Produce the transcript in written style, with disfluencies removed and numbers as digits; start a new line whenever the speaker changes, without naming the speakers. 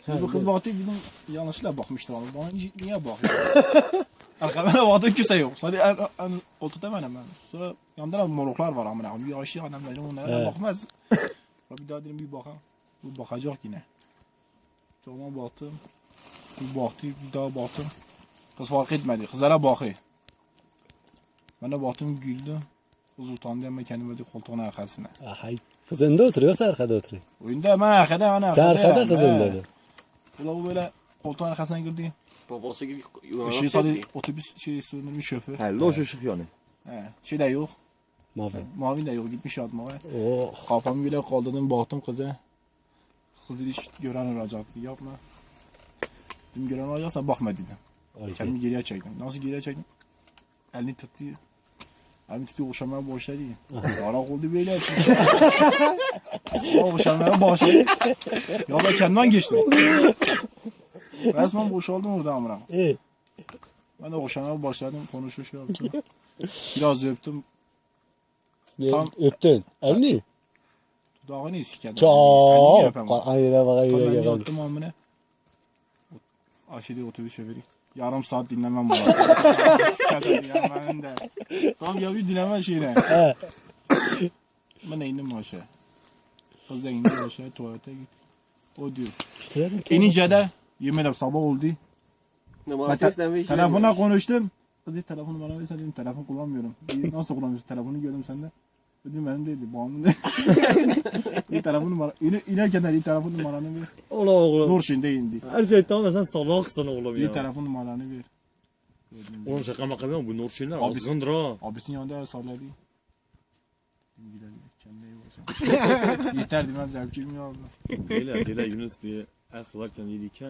Bu kız baktı dedim yanlışlıkla bakmıştır ama bana niye bakıyor? Arkamda baktım kimse yok. Sadece en koltukta benim ben. Sonra yanımda da moruklar var amına koyayım. Bir yaşlı adam dedim onlara bakmaz. Bir daha dedim bir bakalım. Bu bakacak yine. Tamam baktım. Bir baktı bir daha baktım. Kız fark etmedi. Kızlara bakıyor. Ben de baktım güldüm. Kız utandı ama kendimi ödü koltuğun arkasına.
Hay. Kız önde oturuyor yoksa arkada oturuyor?
Oyunda ben arkada.
Sen arkada kız önde.
Ula bu böyle koltuğun arkasına girdi.
Babası gibi
Şey sadece otobüs söndürmüş şoför.
He, loş ışık yani.
Şey de yok.
Mavi.
Mavi de yok gitmiş atmaya.
Oh.
Kafamı bile kaldırdım baktım kıza. Kız dedi gören olacak dedi yapma. Dedim gören olacaksa bakma dedim. Kendimi geriye çektim. Nasıl geriye çektim? Elini tuttu. Elini tuttu okşamaya başladı. Yarak oldu böyle. Okşamaya başladı. Ya ben kendimden geçtim. Resmen boşaldım orada amına. Ben de okşamaya başladım konuşuyor şey yaptım. Biraz öptüm.
Tam öptün. Elini?
Dudağını sikerdim.
Çok. Ayıra bak ayıra
Ben
gel.
yattım amına. Aşağıda otobüs şoförü. Yarım saat dinlemem bunu. Sikerdim ya ben de. Tamam ya bir dinleme şeyine. Ben de indim aşağı. Kız da indi aşağı tuvalete git. O diyor. İnince de yemin ederim sabah oldu. Telefonla konuştum. Kız dedi telefonu bana versen dedim telefon kullanmıyorum. Nasıl kullanmıyorsun? Telefonu gördüm sende. Dedim benim değildi. Bağımlı değil. Bir telefon numara. İnerken de telefon numaranı ver.
Ola oğlum.
Dur şimdi indi.
Her şey tamam da sen salaksın oğlum
Bir
ya.
telefon numaranı ver.
Oğlum şaka maka yapma bu Nurşinler
Abi-
azgındır ha.
Abisinin yanında el salladı. Dedim gidelim. Kendine iyi bakacağım. Yeter demez zevkim ya.
Gele Yunus diye el salarken yedik.